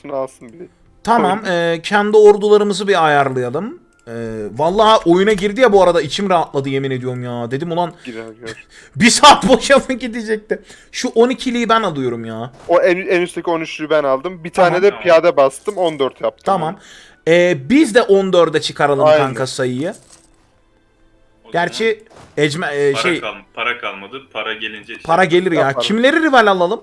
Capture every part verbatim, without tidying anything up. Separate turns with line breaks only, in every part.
başına alsın bir.
Tamam, e, kendi ordularımızı bir ayarlayalım. E, vallahi oyuna girdi ya bu arada, içim rahatladı yemin ediyorum ya. Dedim ulan
Girer girer.
bir saat boşa mı gidecekti? Şu on ikiliyi ben alıyorum ya.
O en, en üstteki on üçlüyü ben aldım. Bir
Tamam.
tane de piyade bastım. on dört yaptım.
Tamam. E, biz de on dörde çıkaralım
Aynen.
kanka sayıyı.
O
Gerçi ecme e,
para,
şey
kal para kalmadı. Para gelince şey,
para gelir ya.
Yaparım.
Kimleri rival alalım?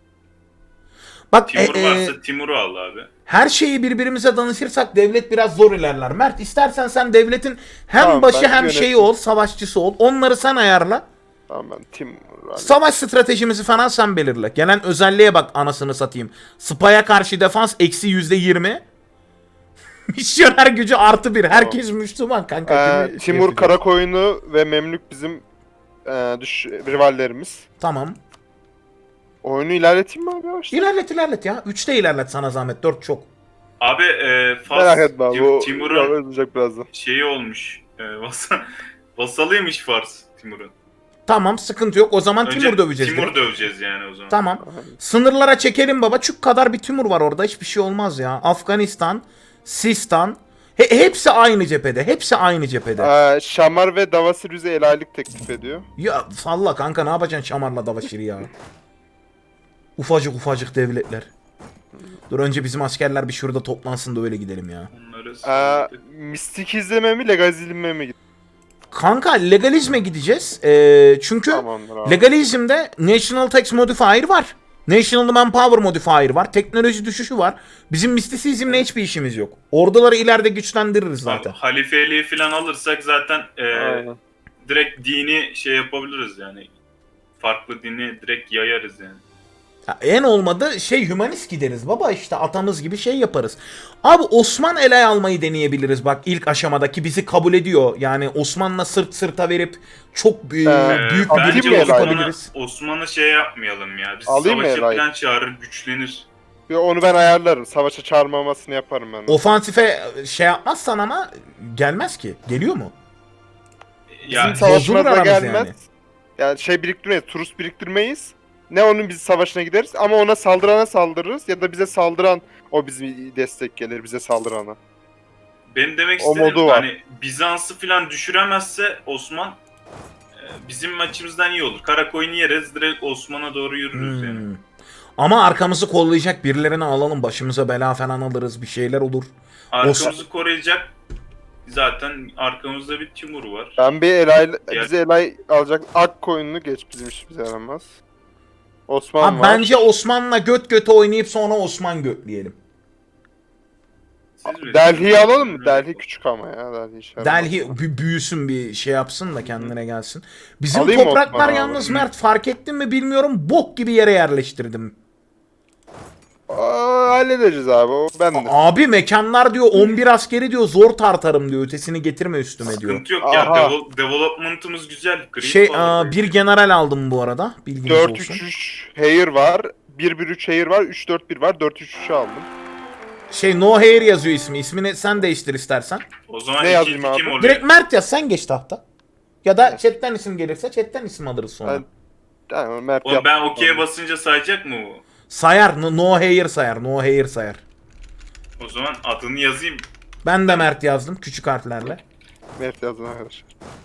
Bak
Timur
e, e,
varsa Timur'u al abi.
her şeyi birbirimize danışırsak devlet biraz zor ilerler. Mert, istersen sen devletin hem
Tamam,
başı
ben
hem
yönetim.
şeyi ol, savaşçısı ol. Onları sen ayarla.
Tamam ben Tim.
Savaş stratejimizi falan sen belirle. Gelen özelliğe bak anasını satayım. Spy'a karşı defans eksi yüzde yirmi. Misyoner gücü artı bir. Herkes Müslüman kanka.
Ee,
Kimi şey
Timur
yapacak?
Karakoyunu ve Memlük bizim e, düş rivallerimiz.
Tamam.
Oyunu ilerleteyim mi abi yavaştan?
İlerlet ilerlet ya. üçte ilerlet sana zahmet. dört çok.
Abi e, Fas
Merak etme abi.
Tim-
O
Timur'un
olacak birazdan.
şeyi olmuş. E, vasa- vasalıymış Fars Timur'un.
Tamam, sıkıntı yok. O zaman
Önce
Timur döveceğiz.
Timur
direkt.
döveceğiz yani o zaman.
Tamam. Sınırlara çekelim baba. Çük kadar bir Timur var orada. Hiçbir şey olmaz ya. Afganistan, Sistan. He- hepsi aynı cephede. Hepsi aynı cephede.
Ee, Şamar ve Davasir bize el aylık teklif ediyor.
Ya salla kanka, ne yapacaksın Şamar'la Davaşir'i ya? Ufacık ufacık devletler. Dur önce bizim askerler bir şurada toplansın da öyle gidelim ya.
Onları
Ee,
salladık.
mistikizme mi legalizme mi gidiyor?
Kanka legalizme gideceğiz. Ee, çünkü
Tamamdır abi.
legalizmde National Tax Modifier var. National Manpower Modifier var. Teknoloji düşüşü var. Bizim mistisizmle hiçbir işimiz yok. Orduları ileride güçlendiririz zaten.
Abi, halifeliği falan alırsak zaten e,
Aynen.
direkt dini şey yapabiliriz yani. Farklı dini direkt yayarız yani.
Ya en olmadı şey hümanist gideriz baba, işte atamız gibi şey yaparız. Abi Osman ele almayı deneyebiliriz bak, ilk aşamadaki bizi kabul ediyor. Yani Osman'la sırt sırta verip çok büyük,
Ee,
büyük bir
atayım
birlik
mı Elay?
yapabiliriz.
Osman'ı Osman'ı şey yapmayalım ya. Biz
Alayım mı
savaşa
Elay?
falan çağırır, güçlenir.
Ve onu ben ayarlarım. Savaşa çağırmamasını yaparım ben.
Ofansife şey yapmazsan ama gelmez ki. Geliyor mu?
Bizim
Ya
savaşımıza
bozulur aramız
gelmez.
yani.
Yani. şey biriktirmeyiz, turist biriktirmeyiz. Ne onun biz savaşına gideriz ama ona saldırana saldırırız ya da bize saldıran o bizim destek gelir bize saldırana.
benim demek
O
istediğim
modu var.
hani Bizans'ı falan düşüremezse Osman e, bizim açımızdan iyi olur. Karakoyun'u yeriz, direkt Osman'a doğru yürürüz yani.
Hmm. Ama arkamızı kollayacak birilerini alalım. Başımıza bela falan alırız. Bir şeyler olur.
Arkamızı koruyacak zaten arkamızda bir Timur var.
Ben bir elay,
Diğer-
bize elay alacak ak koyununu geç bizim işimize yaramaz. Osman
Abi
var.
bence Osman'la göt göte oynayıp sonra Osman götleyelim.
Siz bilirsiniz.
Delhi'yi alalım mı? Delhi küçük ama ya. Delhi işe yaramaz.
Delhi bü- büyüsün, bir şey yapsın da kendine gelsin. Bizim
Alayım mı
topraklar
Osman abi?
yalnız Mert, fark ettin mi bilmiyorum, bok gibi yere yerleştirdim.
Aa, halledeceğiz abi o ben de.
Abi mekanlar diyor on bir askeri diyor zor tartarım diyor, ötesini getirme üstüme diyor.
Sıkıntı yok ya.
Aha.
Devel- development'ımız güzel. Green
Şey
power
aa,
böyle.
bir general aldım bu arada, bilginiz
dört
olsun.
üç üç Hair var. bir bir üç Hair var. üç dört bir var. dört üç üçü aldım.
Şey No Hair yazıyor ismi, ismini sen değiştir istersen.
O zaman
Ne
ikinci
yazayım
kim
abi?
oluyor?
Direkt Mert yaz, sen geç tahta. Ya da chatten isim gelirse chatten isim alırız sonra.
Ben, yani Mert
Oğlum
yaptım
ben okey'e
onu.
basınca sayacak mı bu?
Sayar, no, no Hair sayar, No Hair sayar.
O zaman adını yazayım.
Ben de Mert yazdım küçük harflerle.
Mert yazın arkadaşlar.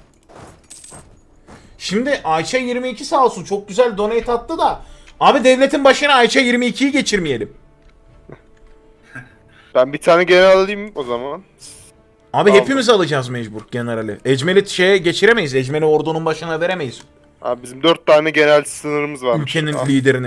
Şimdi Ayça yirmi iki sağ olsun çok güzel donate attı da. Abi devletin başına Ayça yirmi ikiyi geçirmeyelim.
Ben bir tane general alayım o zaman.
Abi
Aldım.
hepimiz alacağız mecbur generali. Ecmel'i şeye geçiremeyiz. Ecmel'i ordunun başına veremeyiz.
Abi bizim dört tane general sınırımız var.
Ülkenin liderini.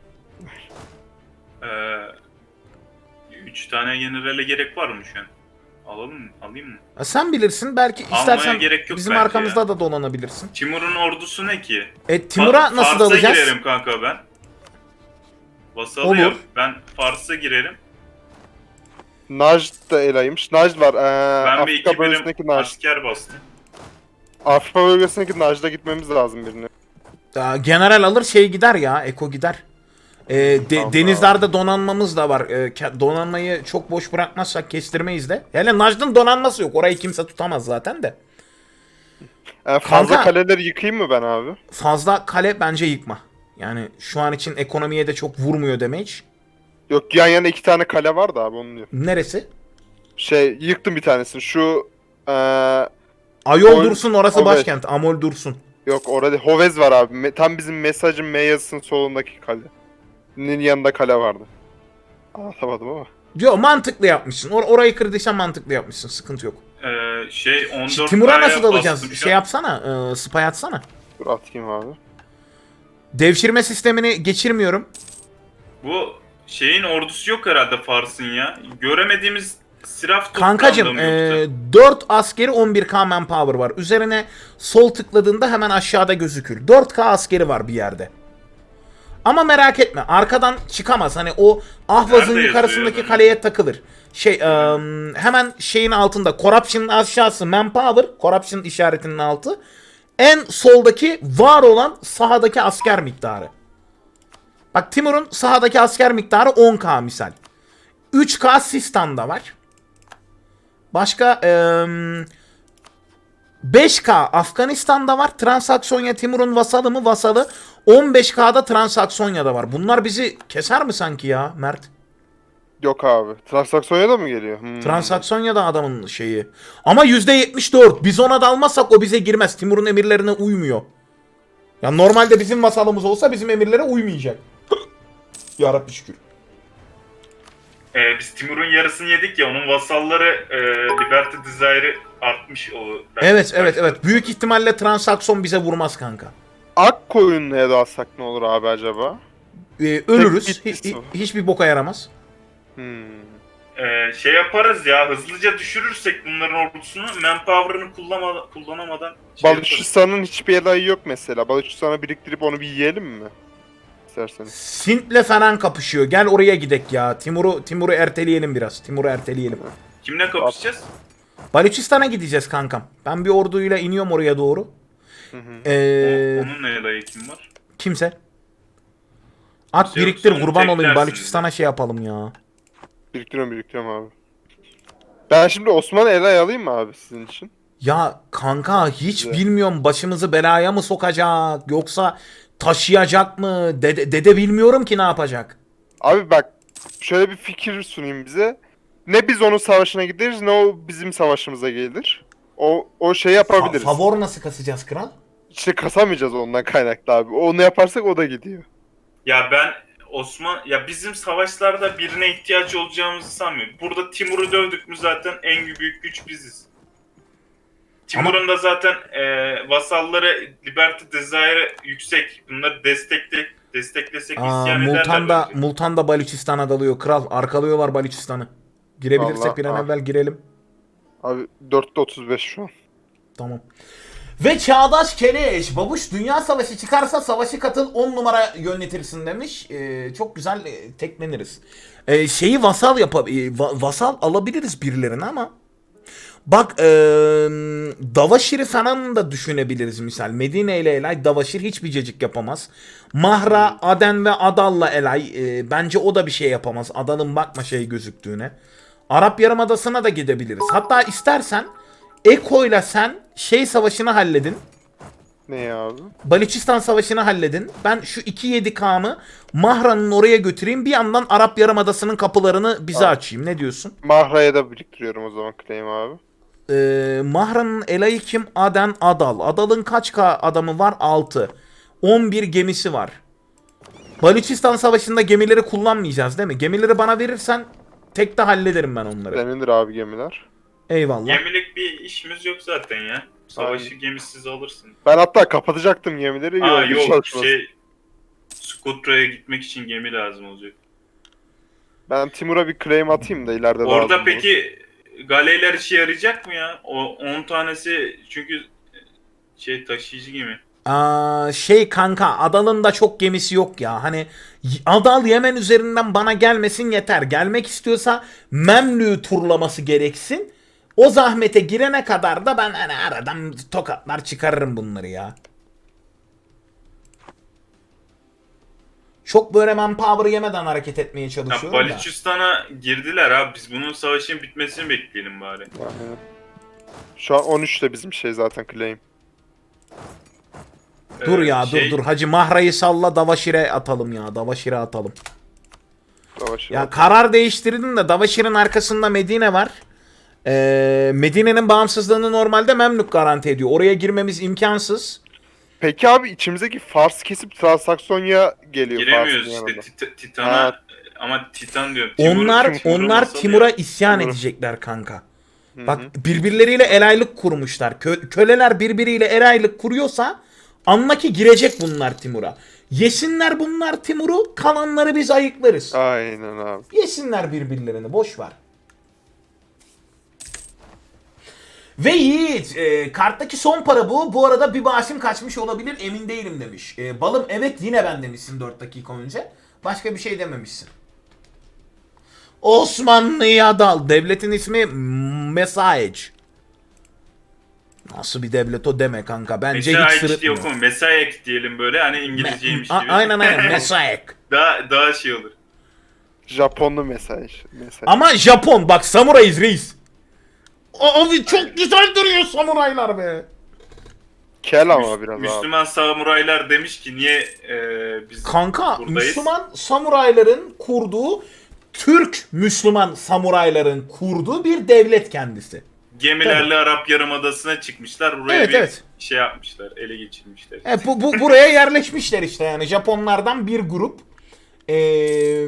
Ee, üç tane generale gerek var mı şu an? Alalım mı? Alayım mı?
Ha, sen bilirsin, belki
Almaya
istersen
gerek yok
bizim
bence
arkamızda
ya.
da dolanabilirsin.
Timur'un ordusu ne ki?
E Timur'a
Fa-
nasıl
Fars'a
dalacağız?
girerim kanka ben. Vasalı
Olur.
yap. Ben Fars'a girerim.
Najd da elaymış. Najd var. Ee,
Ben bir
Afrika
iki
bölgesindeki
birim
Najd.
asker bastım.
Afrika bölgesindeki Najd'a gitmemiz lazım birine.
Ya, general alır şey gider ya. Eko gider. E, de-
Tamam.
denizlerde donanmamız da var. E, ke- donanmayı çok boş bırakmazsak kestirmeyiz de. Hele Najd'ın donanması yok. Orayı kimse tutamaz zaten de.
Ee, fazla
Kanka-
kaleleri yıkayayım mı ben abi?
Fazla kale bence yıkma. Yani şu an için ekonomiye de çok vurmuyor damage.
Yok, yan yana iki tane kale var da abi, onu diyor.
Neresi?
Şey, yıktım bir tanesini. Şu eee
Ayol
Amol-
Dursun, orası
Amol.
başkent. Amol Dursun.
yok, orada Hovez var abi. Me- tam bizim mesajın M yazısının solundaki kale. Nin yanında kale vardı. Anlatamadım ama.
Diyor mantıklı yapmışsın. Or orayı kırdıysan mantıklı yapmışsın. Sıkıntı yok.
Ee, şey on
Şimdi
dört
Timur'a
K'ya
nasıl dalacağız?
bastım şu
Şey
an.
yapsana. E, spy atsana.
Dur atayım abi.
Devşirme sistemini geçirmiyorum.
Bu şeyin ordusu yok herhalde Fars'ın ya. Göremediğimiz siraf
Kankacım
toplandı mı
e,
yoksa?
dört askeri on bir K manpower var. Üzerine sol tıkladığında hemen aşağıda gözükür. dört K askeri var bir yerde. Ama merak etme, arkadan çıkamaz. Hani o Ahvaz'ın
Nerede
yukarısındaki
yazıyor?
kaleye takılır. Şey e, hemen şeyin altında, Corruption'ın aşağısı manpower, Corruption işaretinin altı. En soldaki var olan sahadaki asker miktarı. Bak, Timur'un sahadaki asker miktarı on K misal. üç K Sistan'da var. Başka eee, beş K Afganistan'da var. Transaksonya Timur'un vasalı mı? Vasalı. on beş K'da Transaksonya'da var. Bunlar bizi keser mi sanki ya Mert?
Yok abi. Transaksiyona da mı geliyor? Hmm.
Transaksonya'da adamın şeyi. Ama yüzde yetmiş dört. Biz ona dalmazsak o bize girmez. Timur'un emirlerine uymuyor. Ya normalde bizim vasalımız olsa bizim emirlere uymayacak. Yarabbi şükür.
Ee, biz Timur'un yarısını yedik ya, onun vasalları e, Liberty Desire'ı artmış. O
Evet evet evet. Büyük ihtimalle Transakson bize vurmaz kanka.
Ak koyunluya da alsak ne olur abi acaba?
Ee, ölürüz.
Tek
Hi-
bitkisi
hi-
var.
hiçbir boka yaramaz.
Hmm.
Ee, şey yaparız ya, hızlıca düşürürsek bunların ordusunu, manpower'ını kullanma, kullanamadan şey yaparız.
Balüçistan'ın hiçbir elayı yok mesela. Balüçistan'a biriktirip onu bir yiyelim mi? İsterseniz.
Sint'le falan kapışıyor. Gel oraya gidek ya. Timur'u Timur'u erteleyelim biraz. Timur'u erteleyelim.
Kimle kapışacağız?
Balüçistan'a gideceğiz kankam. Ben bir orduyla iniyorum oraya doğru.
Hı hı.
Ee,
O- onun neyle kim var?
kimse. At
Kimse yok,
biriktir,
sonra
kurban olayım.
teklersiniz.
Balüçistan'a şey yapalım ya.
Biriktiriyorum biriktiriyorum abi. Ben şimdi Osmanlı elay alayım mı abi sizin için?
Ya kanka hiç
Güzel.
bilmiyorum, başımızı belaya mı sokacak yoksa taşıyacak mı? Dede, dede bilmiyorum ki ne yapacak.
Abi bak, şöyle bir fikir sunayım bize. Ne biz onun savaşına gideriz, ne o bizim savaşımıza gelir. O o şey
Fa-
yapabiliriz.
favor nasıl kasacağız kral?
İşte kasamayacağız ondan kaynaklı abi. Onu yaparsak o da gidiyor.
Ya ben Osman, ya bizim savaşlarda birine ihtiyaç olacağımızı sanmıyorum. Burada Timur'u dövdük mü zaten en büyük güç biziz. Timur'un da zaten e, vasalları Liberty Desire yüksek. Bunları destekle, desteklesek
Aa,
isyan ederler
Multan'da,
bence.
Multan'da Balüçistan'a dalıyor kral. Arkalıyorlar Balüçistan'ı. Girebilirsek
Vallahi,
bir an
ah.
evvel girelim.
Abi dörtte otuz beş şu an.
Tamam. Ve Çağdaş Keleş, babuş dünya savaşı çıkarsa savaşı katıl on numara yönetirsin demiş. Ee, çok güzel e, tekleniriz. Ee, şeyi vasal yap, vasal alabiliriz birilerine ama bak e, Davaşir'i falan da düşünebiliriz misal. Medine ile Elay Davaşir hiçbir cacık yapamaz. Mahra, Aden ve Adal'la Elay e, bence o da bir şey yapamaz. Adal'ın bakma şey gözüktüğüne. Arap Yarımadası'na da gidebiliriz. Hatta istersen Eko'yla sen şey savaşını halledin.
Ne ya abi?
Balüçistan savaşını halledin. Ben şu iki yedi K'mı Mahra'nın oraya götüreyim. Bir yandan Arap Yarımadası'nın kapılarını bize
Abi.
açayım. Ne diyorsun?
Mahra'ya da biriktiriyorum o zaman claim abi.
Ee, Mahra'nın elayı kim? Aden, Adal. Adal'ın kaç K adamı var? altı. on bir gemisi var. Balüçistan savaşında gemileri kullanmayacağız değil mi? Gemileri bana verirsen tek de hallederim ben onları.
Senindir abi gemiler.
Eyvallah.
Gemilik bir işimiz yok zaten ya. Savaşı
Aynen.
gemisiz alırsın.
Ben hatta kapatacaktım gemileri.
Aa
yolda
yok
çalışmaz.
şey, Skutra'ya gitmek için gemi lazım olacak.
Ben Timur'a bir claim atayım da ileride
Orada
lazım olur.
peki galeyler işe yarayacak mı ya? O on tanesi çünkü şey taşıyıcı gemi.
Aa, şey kanka, Adal'ın da çok gemisi yok ya. Hani y- Adal Yemen üzerinden bana gelmesin yeter. Gelmek istiyorsa Memlük'ü turlaması gereksin. O zahmete girene kadar da ben hani aradan tokatlar çıkarırım bunları ya. Çok böyle manpower yemeden hareket etmeye
Ya
çalışıyorum da.
Balüçistan'a girdiler abi. Biz bunun savaşın bitmesini bekleyelim bari.
Aynen. Şu an on üçte bizim şey zaten claim.
Dur
Ee,
ya
şey,
dur dur. Hacı Mahra'yı salla, Davaşir'e atalım ya. Davaşir'e atalım.
Davaşir
Ya
var.
karar değiştirdim de Davaşir'in arkasında Medine var. Ee, Medine'nin bağımsızlığını normalde Memlük garanti ediyor. Oraya girmemiz imkansız.
Peki abi içimizdeki Fars kesip Transaksonya geliyor.
Giremiyoruz
Fars'ın
işte
yanına.
Tit- Titan'a
Ha.
ama Titan diyorum. Timur-
Onlar
Timur'un
onlar
masalı
Timur'a
ya.
isyan
Timur'u.
edecekler kanka.
Hı
Bak
hı.
birbirleriyle el aylık kurmuşlar. Kö- köleler birbiriyle el aylık kuruyorsa anla ki girecek bunlar Timur'a. Yesinler bunlar Timur'u, kalanları biz ayıklarız.
Aynen abi.
Yesinler birbirlerini, boş ver. Ve Yiğit, e, karttaki son para bu. Bu arada bir bağışım kaçmış olabilir, emin değilim demiş. E, balım evet yine ben demişsin dört dakika önce. Başka bir şey dememişsin. Osmanlı'ya dal. Devletin ismi Mesaj. Nasıl bir devlet o deme kanka. Bence
Mesela
hiç
hiç diye
sırıtmıyor.
okuma. Mesayek diyelim böyle hani İngilizceymiş
A-
gibi.
aynen aynen Mesaj.
daha daha şey olur.
Japonlu mesaj. mesaj.
Ama Japon bak samurayız reis. Abi çok güzel duruyor samuraylar be.
Kel ama
Müs-
biraz abi.
Müslüman samuraylar demiş ki niye e, biz
Kanka
buradayız?
Müslüman samurayların kurduğu, Türk Müslüman samurayların kurduğu bir devlet kendisi.
Gemilerle Arap Yarımadası'na çıkmışlar. Buraya
Evet,
bir
evet.
şey yapmışlar. Ele geçirmişler.
E, bu, bu buraya yerleşmişler işte yani Japonlardan bir grup. Ee,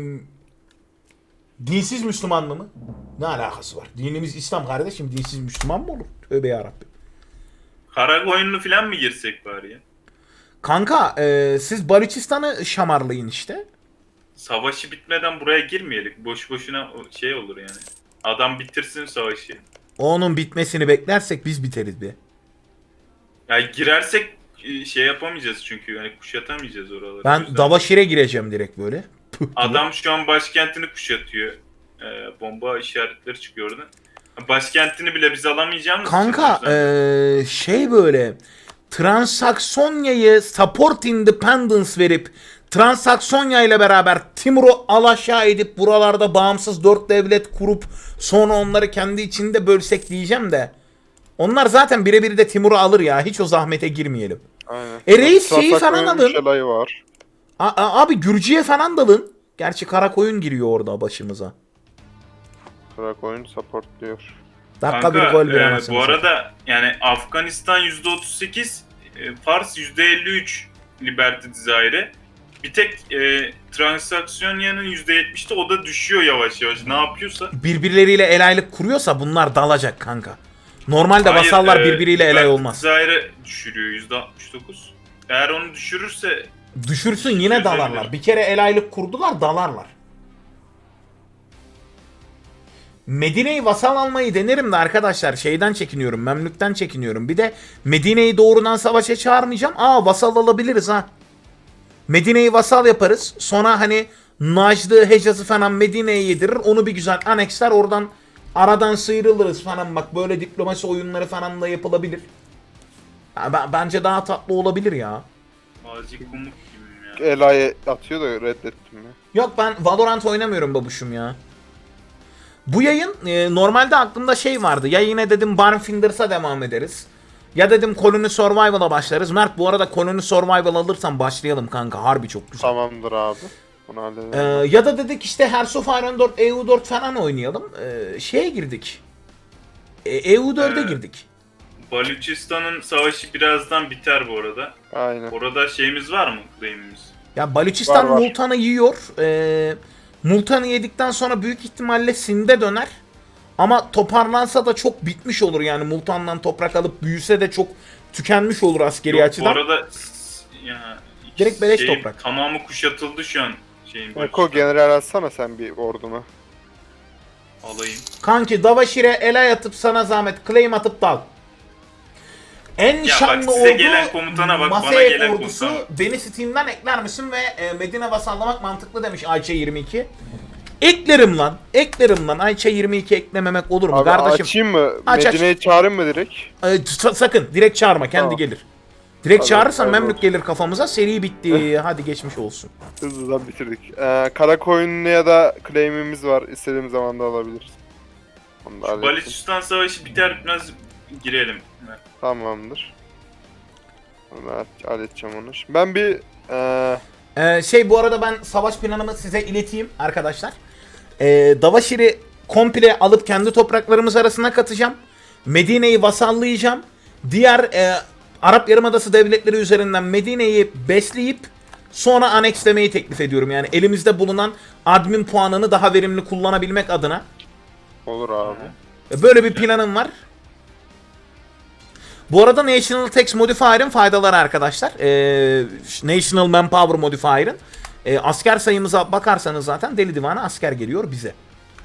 dinsiz Müslüman mı? Ne alakası var? Dinimiz İslam kardeşim. Dinsiz Müslüman mı olur? Tövbe yarabbim.
Kara koyunlu falan mı girsek bari ya?
Kanka e, siz Balüçistan'ı şamarlayın işte.
Savaşı bitmeden buraya girmeyelim. Boş boşuna o- şey olur yani. Adam bitirsin savaşı.
Onun bitmesini beklersek biz biteriz be.
Ya girersek e, şey yapamayacağız çünkü yani kuşatamayacağız oraları. O
Ben
yüzden.
Davaşir'e gireceğim direkt böyle. Püh diye.
Adam şu an başkentini kuşatıyor. Ee, bomba işaretleri çıkıyor oradan. Başkentini bile biz alamayacağımız için
Kanka
o yüzden-
eee, şey böyle Transaksonya'yı support independence verip Transaksonya ile beraber Timur'u alaşağı edip buralarda bağımsız dört devlet kurup sonra onları kendi içinde bölsek diyeceğim de onlar zaten birebir de Timur'u alır ya, hiç o zahmete girmeyelim.
Aynen.
E reis şeyi
Transaksonya'nın
falan alın.
üç alayı var.
A- a- abi Gürcü'ye falan dalın. Gerçi Karakoyun giriyor orada başımıza.
Karakoyun support diyor.
Dakika
Kanka,
bir gol bir
e,
anasını
bu
satayım.
arada yani Afganistan yüzde otuz sekiz, e, Fars yüzde elli üç Liberty Desire'e. Bir tek e, Transaksonya'nın yüzde yetmişte o da düşüyor yavaş yavaş. Ne yapıyorsa.
Birbirleriyle el aylık kuruyorsa bunlar dalacak kanka. Normalde
Hayır,
vasallar
e,
birbiriyle el ay
Liberty
olmaz.
Desire'e düşürüyor yüzde altmış dokuz. Eğer onu düşürürse
Düşürsün yine
Çözebilir.
dalarlar. Bir kere el aylık kurdular, dalarlar. Medine'yi vasal almayı denerim de arkadaşlar şeyden çekiniyorum, Memlük'ten çekiniyorum. Bir de Medine'yi doğrudan savaşa çağırmayacağım. Aa vasal alabiliriz ha. Medine'yi vasal yaparız. Sonra hani Najd'ı, Hecaz'ı falan Medine'ye yedirir. Onu bir güzel aneksler, oradan aradan sıyrılırız falan. Bak böyle diplomasi oyunları falan da yapılabilir. Ya, ben- bence daha tatlı olabilir ya.
Mazi Kumuk gibi ya.
El ayı atıyor da reddettim ya.
Yok ben Valorant oynamıyorum babuşum ya. Bu yayın e, normalde aklımda şey vardı. Ya yine dedim Barnfinders'a devam ederiz. Ya dedim Colony Survival'a başlarız. Mert bu arada Colony Survival alırsan başlayalım kanka. Harbi çok güzel.
Tamamdır abi. Bunu halledelim.
Ee, ya da dedik işte Hearts of Iron dört, E U dört falan oynayalım. Ee, şeye girdik. E, E U dörde
Ee,
girdik.
Balüçistan'ın savaşı birazdan biter bu arada.
Aynen.
Orada şeyimiz var mı? Claim'imiz.
Ya Balüçistan
Var, var.
Multan'ı yiyor. Ee, Multan'ı yedikten sonra büyük ihtimalle Sind'e döner. Ama toparlansa da çok bitmiş olur yani. Multan'dan toprak alıp büyüse de çok tükenmiş olur askeri
Yok,
açıdan.
bu arada s- ya,
Direkt beleş
şeyin
toprak.
Tamamı kuşatıldı şu an şeyin.
Eko
Balüçistan.
general atsana sen bir orduma.
Alayım.
Kanki Davaşir'e elay atıp sana zahmet claim atıp dal. En
bak
şanlı
size
ordu
gelen komutana bak, bana
Masaya
gelen
ordusu
komutana.
beni Steam'den ekler misin ve e, Medine vasallamak mantıklı demiş Ayça yirmi iki. Eklerim lan. Eklerim lan. Ayça yirmi iki eklememek olur mu
Abi
kardeşim?
açayım mı?
Aç, aç.
Medine'yi çağırayım mı direkt?
E, sa- sakın direkt çağırma kendi
Tamam.
gelir. Direkt
Hadi,
çağırırsan
hadi
Memlük
olsun.
gelir kafamıza, seri bitti. Hadi geçmiş olsun.
Hızlıdan bitirdik. Ee, Karakoyunlu ya da claim'imiz var. İstediğimiz zaman da alabiliriz. Onu da hallettim.
Balüçistan savaşı biter bitmez girelim.
Tamamdır. Ben halledeceğim onu. Şimdi ben bir... Ee,
Ee, şey bu arada ben savaş planımı size ileteyim arkadaşlar. Ee, Davaşir'i komple alıp kendi topraklarımız arasına katacağım. Medine'yi vasallayacağım. Diğer e, Arap Yarımadası devletleri üzerinden Medine'yi besleyip sonra anekslemeyi teklif ediyorum. Yani elimizde bulunan admin puanını daha verimli kullanabilmek adına.
Olur abi.
Böyle bir planım var. Bu arada National Tax Modifier'ın faydaları arkadaşlar. Ee, National Manpower Modifier'ın. Ee, asker sayımıza bakarsanız zaten deli divane asker geliyor bize.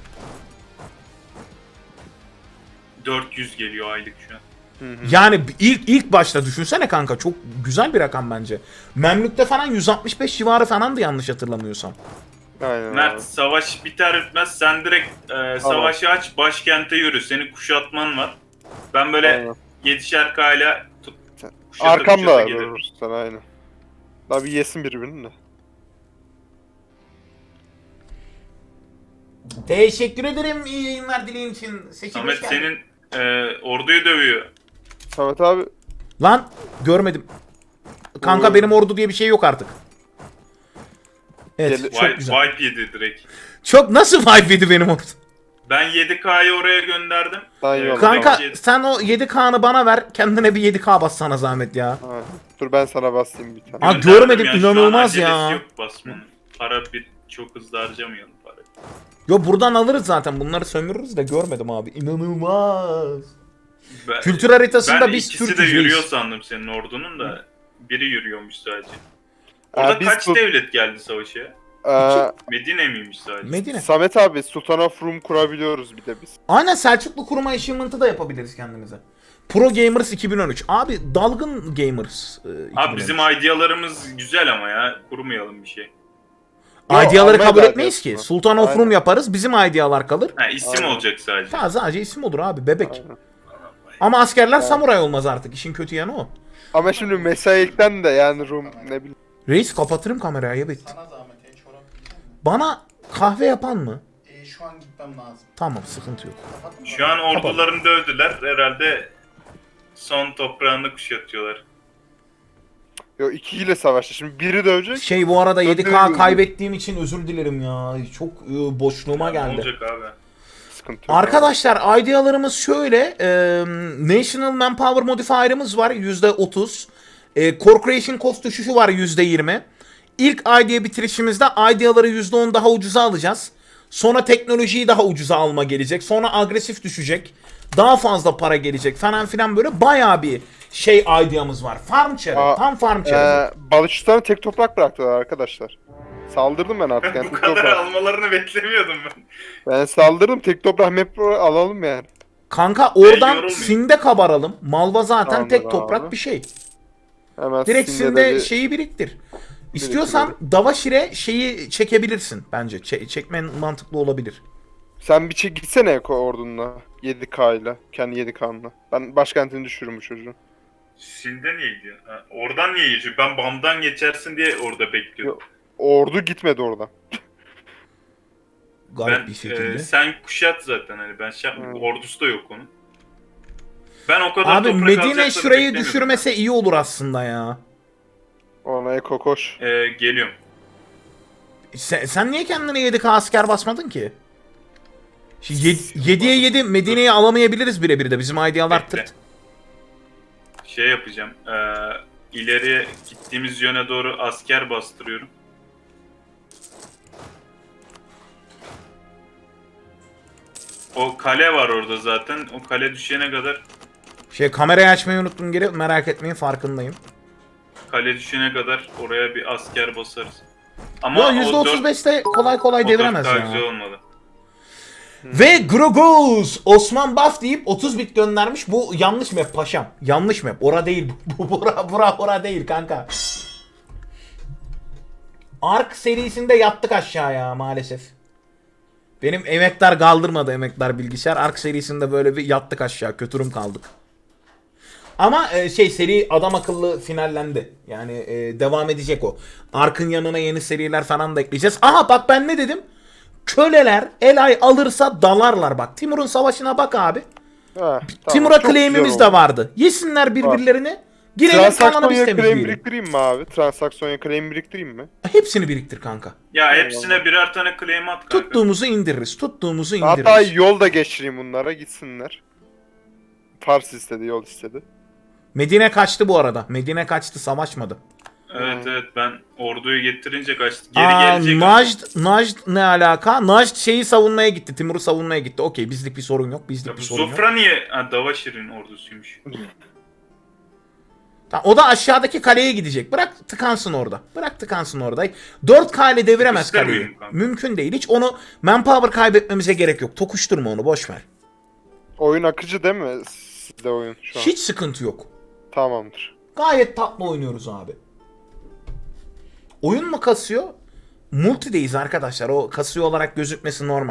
dört yüz geliyor aylık şu an.
Yani ilk ilk başta düşünsene kanka, çok güzel bir rakam bence. Memlük'te falan yüz altmış beş civarı falandı yanlış hatırlamıyorsam.
Aynen
Mert
abi.
savaş biter bitmez sen direkt e, savaşı aç başkente yürü. Senin kuşatman var. Ben böyle
Aynen.
yedişer kayla tut,
Sen-
kuşata
Arkamda
kuşata
abi.
gelirim.
Sen aynen. Daha bir yesin birbirini de.
Teşekkür ederim iyi yayınlar dileğin için. Seçil
Samet
hoş geldin.
senin e, orduyu dövüyor.
Samet abi
Lan görmedim. Kanka
Oy.
benim ordu diye bir şey yok artık. Evet
Gel-
çok
Wipe,
güzel.
wipe yedi direkt.
Çok nasıl vibe yedi benim ordu?
Ben yedi K'yı oraya gönderdim.
Daha iyi
Evet,
oldu.
Kanka
yedi-
sen o yedi K'nı bana ver, kendine bir yedi K bas sana zahmet ya.
Ha, dur ben sana basayım bir tane.
Aa,
gönderdim
görmedim,
ya, şu an
inanılmaz
acelesi
ya.
Yok basmanın. Para bir çok hızlı harcamayalım para.
Yo buradan alırız zaten, bunları sömürürüz de görmedim abi. İnanılmaz.
Ben,
Kültür haritasında
ben
biz
ikisi de
Türk'üz
yürüyor
reis.
sandım senin ordunun da. Biri yürüyormuş sadece. Orada
Aa, biz
kaç
bu-
devlet geldi savaşa?
Ee,
Medine miymiş sadece?
Medine.
Samet abi Sultan of Rum kurabiliyoruz bir de biz.
Aynen, Selçuklu kurma achievement'ı da yapabiliriz kendimize. Pro Gamers iki bin on üç. Abi dalgın Gamers. e, iki bin on üç.
Abi bizim idealarımız güzel ama ya. Kurmayalım bir şey.
Yo,
Ideaları
Almanya
kabul
da
etmeyiz ki.
diyorsun.
Sultan of
Aynen.
Rum yaparız. Bizim idealar kalır.
Ha isim
Aynen.
olacak sadece.
Ta sadece isim olur abi, bebek.
Aynen.
Ama askerler samuray olmaz artık. İşin kötü yanı o.
Ama şimdi mesailikten de yani Rum ne bileyim.
Reis kapatırım kamerayı, ayıp ettin.
Sana zahmet e, çorap yiyecek misin?
Bana kahve yapan mı?
E, şu an gitmem lazım.
Tamam, sıkıntı yok.
Kapattın mı?
Şu an ordularını dövdüler. Herhalde son toprağını kuşatıyorlar.
Yo ikiyle savaştı. Şimdi biri dövecek.
Şey bu arada yedi K
Döndürüyorum.
kaybettiğim için özür dilerim ya. Çok e, boşluğuma
Ya, ne
geldi.
olacak abi?
Sıkıntı yok.
Arkadaşlar idealarımız şöyle. E, National Manpower Modifier'ımız var yüzde otuz. E, Core Creation Cost düşüşü var yüzde yirmi. İlk idea bitirişimizde ideaları yüzde on daha ucuza alacağız. Sonra teknolojiyi daha ucuza alma gelecek. Sonra agresif düşecek. Daha fazla para gelecek falan filan, böyle bayağı bir şey ideamız var. Farm çarı.
Aa,
Tam farm çarı.
Ee, Balışistan'a tek toprak bıraktılar arkadaşlar. Saldırdım ben artık.
Ben
Yani
bu
tek
kadar
toprak.
almalarını beklemiyordum ben.
Ben saldırdım. Tek toprak map alalım yani.
Kanka oradan
yorulmayayım.
Sinde kabaralım. Malva zaten
Tamamdır
tek toprak
abi.
bir şey.
Hemen
Direkt
Sinde'de
Sinde
bir-
şeyi biriktir. İstiyorsan Davaşir'e şeyi çekebilirsin bence. Çe- çekmen mantıklı olabilir.
Sen bir çek gitsene Eko ordunla. yedi K ile. Kendi yedi K'nla. Ben başkentini düşürürüm bu çocuğun.
Sinde niye gidiyor? Ha, oradan niye geçiyor? Ben Bam'dan geçersin diye orada bekliyordum.
Ordu gitmedi oradan.
Garip
Ben
bir şekilde.
e, sen kuşat zaten hani ben şey yapmadım.
Hmm.
Ordusu da yok onun. Ben o kadar
Abi
toprak
Medine
alacaklarını
şurayı
beklemiyordum.
düşürmese iyi olur aslında ya.
Ona Eko koş.
E, geliyorum.
Sen, sen niye kendine yedi K asker basmadın ki? yediye yedi Medine'yi alamayabiliriz birebir de. Bizim idealar
Bekle.
tırt.
Şey yapacağım. E, ileriye gittiğimiz yöne doğru asker bastırıyorum. O kale var orada zaten. O kale düşene kadar
Şey kamerayı açmayı unuttum geri. Merak etmeyin, farkındayım.
kale düşene kadar oraya bir asker basarız. Ama
Yo
o
yüzde otuz
dört-
beşte kolay kolay
o
deviremez
dört daha
ya.
güzel olmadı.
Ve Grogos Osman Buff deyip otuz bit göndermiş. Bu yanlış map paşam. Yanlış map. Ora değil. Bu bura bura ora değil kanka. Ark serisinde yattık aşağıya maalesef. Benim emektar kaldırmadı, emektar bilgisayar. Ark serisinde böyle bir yattık aşağı. Kötürüm kaldık. Ama e, şey seri adam akıllı finallendi. Yani e, devam edecek o. Ark'ın yanına yeni seriler falan da ekleyeceğiz. Aha bak ben ne dedim? Köleler Elay alırsa dalarlar bak. Timur'un savaşına bak abi.
Ha, tamam,
Timur'a
çok güzel
claim'imiz
oldu.
de vardı. Yesinler birbirlerini. Girelim kalanı
Transaksiyon
biz
ya claim
temizleyelim.
biriktireyim mi abi? Transaksiyon ya claim biriktireyim mi?
Hepsini biriktir kanka.
Ya hepsine birer tane claim at kanka.
Tuttuğumuzu indiririz. Tuttuğumuzu indiririz.
Hatta yol da geçireyim bunlara gitsinler. Pars istedi, yol istedi.
Medine kaçtı bu arada. Medine kaçtı, savaşmadı.
Evet evet ben orduyu getirince kaçtı. Geri
Aa,
gelecek.
Najd, Najd ne alaka? Najd şeyi savunmaya gitti. Timur'u savunmaya gitti. Okey, bizlik bir sorun yok. Bizlik
Ya
bir
bu
sorun yok.
Zofra niye? Ha, Davaşir'in ordusuymuş.
Tamam, o da aşağıdaki kaleye gidecek. Bırak tıkansın orada. Bırak tıkansın orada. dört K ile deviremez
İster
kaleyi.
miyim kanka?
Mümkün değil. Hiç onu manpower kaybetmemize gerek yok. Tokuşturma onu, boş ver.
Oyun akıcı değil mi? Sizde oyun şu an.
Hiç sıkıntı yok.
Tamamdır.
Gayet tatlı oynuyoruz abi. Oyun mu kasıyor? Multi'deyiz arkadaşlar. O kasıyor olarak gözükmesi normal.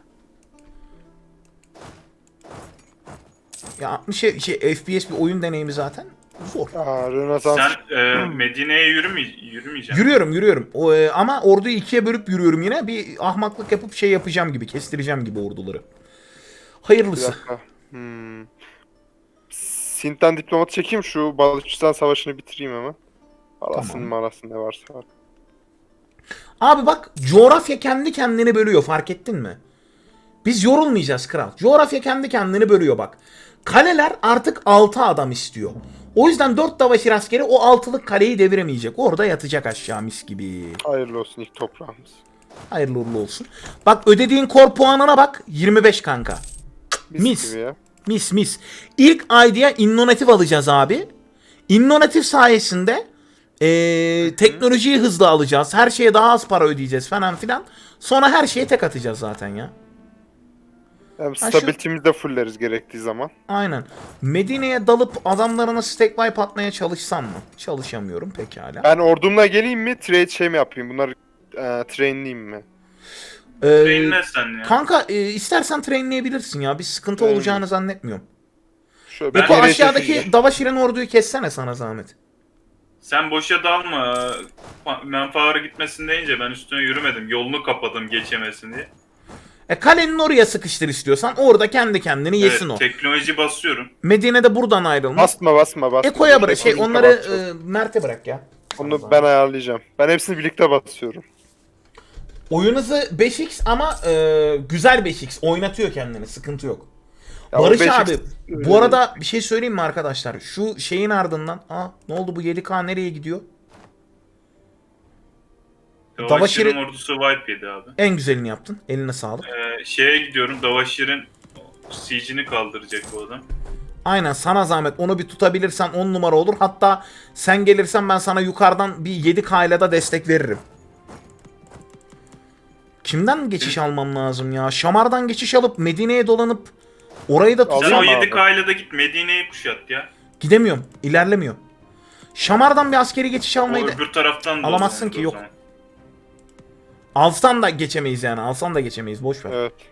Ya altmış şey, F P S bir oyun deneyimi zaten. Zor.
Aa, Rönesans.
Sen e, Medine'ye yürüme, yürümeyeceksin.
Yürüyorum yürüyorum. O, e, ama orduyu ikiye bölüp yürüyorum yine. Bir ahmaklık yapıp şey yapacağım gibi. Kestireceğim gibi orduları.
Bir
Hayırlısı.
dakika. Hmm. Sint'ten diplomat çekeyim, şu Balıçistan Savaşı'nı bitireyim hemen. Arasın
Tamam.
marasın ne varsa var.
Abi bak, coğrafya kendi kendini bölüyor, fark ettin mi? Biz yorulmayacağız kral. Coğrafya kendi kendini bölüyor bak. Kaleler artık altı adam istiyor. O yüzden dört Davaşir askeri o altılık kaleyi deviremeyecek. Orada yatacak aşağı mis gibi.
Hayırlı olsun ilk toprağımız.
Hayırlı uğurlu olsun. Bak ödediğin kor puanına bak. yirmi beş kanka.
Mis,
Mis.
gibi ya.
Mis mis. İlk ayda innovatif alacağız abi. İnnovatif sayesinde ee, teknolojiyi hızlı alacağız. Her şeye daha az para ödeyeceğiz falan filan. Sonra her şeye tek atacağız zaten ya.
Hem
şu-
stability'mizi de fulleriz gerektiği zaman.
Aynen. Medine'ye dalıp adamlarına stack wipe atmaya çalışsam mı? Çalışamıyorum pekala.
Ben ordumla geleyim mi? Trade şey mi yapayım? Bunları e, trainleyeyim mi?
Ee,
Trainle sen ya.
kanka e, istersen trainleyebilirsin ya. Bir sıkıntı
Trainleyeyim.
olacağını zannetmiyorum.
Şöyle
Ben
Beko
geriye
aşağıdaki
çekileceğim.
Davaşir'in orduyu kessene sana zahmet.
Sen boşa dalma. Manpower'a gitmesin deyince ben üstüne yürümedim. Yolunu kapadım geçemesin diye.
E kalenin oraya sıkıştır istiyorsan orada kendi kendini yesin
Evet,
o.
teknoloji basıyorum.
Medine'de buradan ayrılmaz.
Basma basma basma.
Eko'ya bırak. Şey
Birlikte
onları
basacağız.
e, Mert'e bırak ya.
Onu ben ayarlayacağım. Ben hepsini birlikte basıyorum.
Oyun hızı beş x ama e, güzel beş x. Oynatıyor kendini. Sıkıntı yok.
Ya o
Barış
beş x
abi bu arada bir şey söyleyeyim mi arkadaşlar? Şu şeyin ardından. Aa ne oldu, bu yedi K nereye gidiyor?
Davaşir'in
Davaşir'in-
ordusu wipe yedi abi.
En güzelini yaptın. Eline sağlık.
Ee, şeye gidiyorum. Davaşir'in siege'ini kaldıracak bu adam.
Aynen, sana zahmet. Onu bir tutabilirsen on numara olur. Hatta sen gelirsen ben sana yukarıdan bir yedi K ile de destek veririm. Kimden geçiş almam lazım ya? Şamar'dan geçiş alıp Medine'ye dolanıp orayı da
Sen
tutsam.
o
Tamam
yedi
abi.
K ile de git Medine'yi kuşat ya.
Gidemiyorum. İlerlemiyor. Şamar'dan bir askeri geçiş
O
almayı da...
öbür taraftan da
Alamazsın
olur
ki,
o
yok.
zaman.
Alsan da geçemeyiz yani. Alsan da geçemeyiz. Boş ver.
Evet.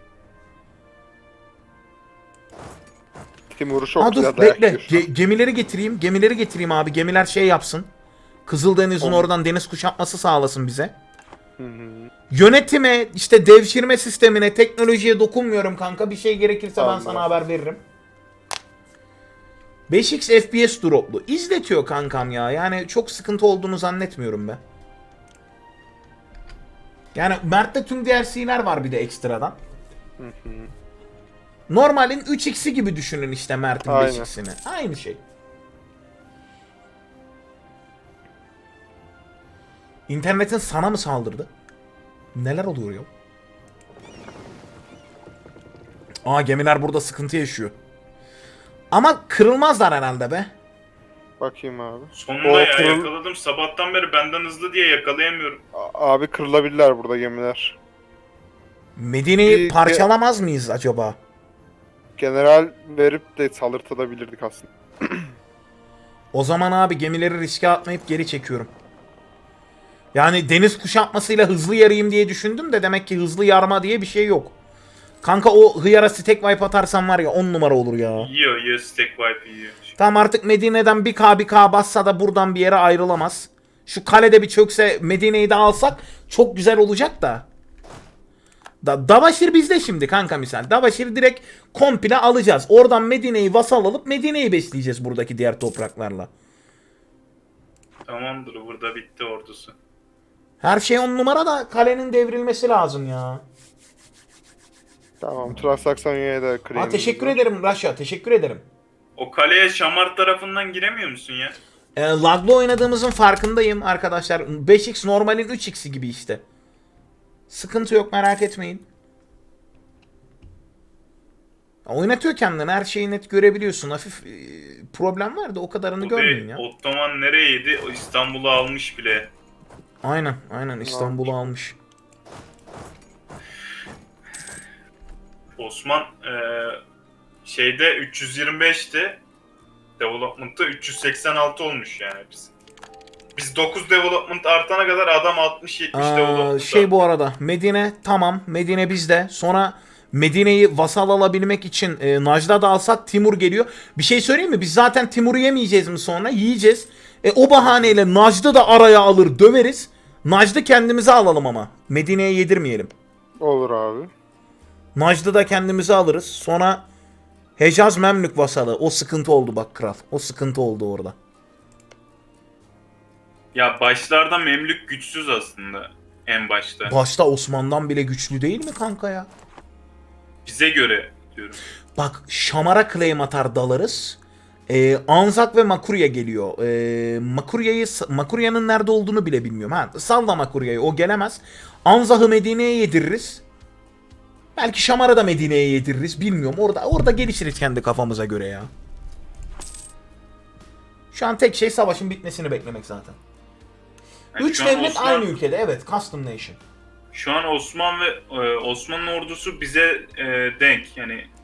Timur'u çok
Aa,
güzel
dur
dayak
bekle.
yiyor şu an.
Ge- gemileri getireyim. Gemileri getireyim abi. Gemiler şey yapsın. Kızıldeniz'in
Olur.
oradan deniz kuşatması sağlasın bize.
Hı hı.
Yönetime, işte devşirme sistemine, teknolojiye dokunmuyorum kanka. Bir şey gerekirse ben
Tamam.
sana haber veririm. beş x F P S droplu. İzletiyor kankam ya. Yani çok sıkıntı olduğunu zannetmiyorum ben. Yani Mert'te tüm D L C'ler var bir de ekstradan. Normalin üç x'i gibi düşünün işte Mert'in
Aynen.
beş x'ini. Aynı şey. İnternetin sana mı saldırdı? Neler oluyor ya? Aa, gemiler burada sıkıntı yaşıyor. Ama kırılmazlar herhalde be.
Bakayım abi.
Sonunda
O
ya
kırıl-
yakaladım. Sabahtan beri benden hızlı diye yakalayamıyorum.
A- Abi kırılabilirler burada gemiler.
Medine'yi
Bir-
parçalamaz mıyız acaba?
General verip de saldırtabilirdik aslında.
O zaman abi gemileri riske atmayıp geri çekiyorum. Yani deniz kuşatmasıyla hızlı yarayım diye düşündüm de demek ki hızlı yarma diye bir şey yok. Kanka o hıyara stack wipe atarsan var ya on numara olur ya.
Yiyor yiyor stack wipe yiyor.
Tamam, artık Medine'den bir K bir K bassa da buradan bir yere ayrılamaz. Şu kalede bir çökse Medine'yi de alsak çok güzel olacak da. Da Davaşir bizde şimdi kanka misal. Davaşir direkt komple alacağız. Oradan Medine'yi vasal alıp Medine'yi besleyeceğiz buradaki diğer topraklarla.
Tamamdır, burada bitti ordusu.
Her şey on numara da kalenin devrilmesi lazım ya.
Tamam, Transaksonya'ya da claim'imiz
Ha, teşekkür
var.
ederim Raşa, teşekkür ederim.
O kaleye Şamar tarafından giremiyor musun ya?
E, laglı oynadığımızın farkındayım arkadaşlar. beş x normalin üç x'i gibi işte. Sıkıntı yok, merak etmeyin. Oynatıyor kendini, her şeyi net görebiliyorsun. Hafif e, problem var da o kadarını
Bu
görmeyin
değil,
ya.
Ottoman nereye yedi? O İstanbul'u almış bile.
Aynen, aynen İstanbul'u almış.
Osman eee, şeyde üç yüz yirmi beşti. Development'ta üç yüz seksen altı olmuş yani biz. Biz dokuz development artana kadar adam altmış yetmiş
Aa,
development
şey
arttı.
bu arada, Medine tamam, Medine bizde. Sonra Medine'yi vasal alabilmek için e, Najda da alsak Timur geliyor. Bir şey söyleyeyim mi? Biz zaten Timur'u yemeyeceğiz mi sonra? Yiyeceğiz. E, o bahaneyle Najda da araya alır döveriz. Najda kendimize alalım ama. Medine'ye yedirmeyelim.
Olur abi.
Najda da kendimize alırız. Sonra Hecaz Memlük vasalı. O sıkıntı oldu bak kral. O sıkıntı oldu orada.
Ya başlarda Memlük güçsüz aslında en başta.
Başta Osman'dan bile güçlü değil mi kanka ya?
Bize göre diyorum.
Bak Şamar'a claim atar dalarız. Ee, Anzak ve Makurya geliyor. Ee, Makurya'yı Makurya'nın nerede olduğunu bile bilmiyorum. Ha, salla Makurya'yı, o gelemez. Anzak'ı Medine'ye yediririz. Belki Şamar'a da Medine'ye yediririz. Bilmiyorum. Orada orada gelişiriz kendi kafamıza göre ya. Şu an tek şey savaşın bitmesini beklemek zaten.
Yani
Üç
şu an
devlet
Osman-
aynı ülkede. Evet. Custom Nation.
Şu an Osman ve e, Osmanlı ordusu bize e, denk. Yani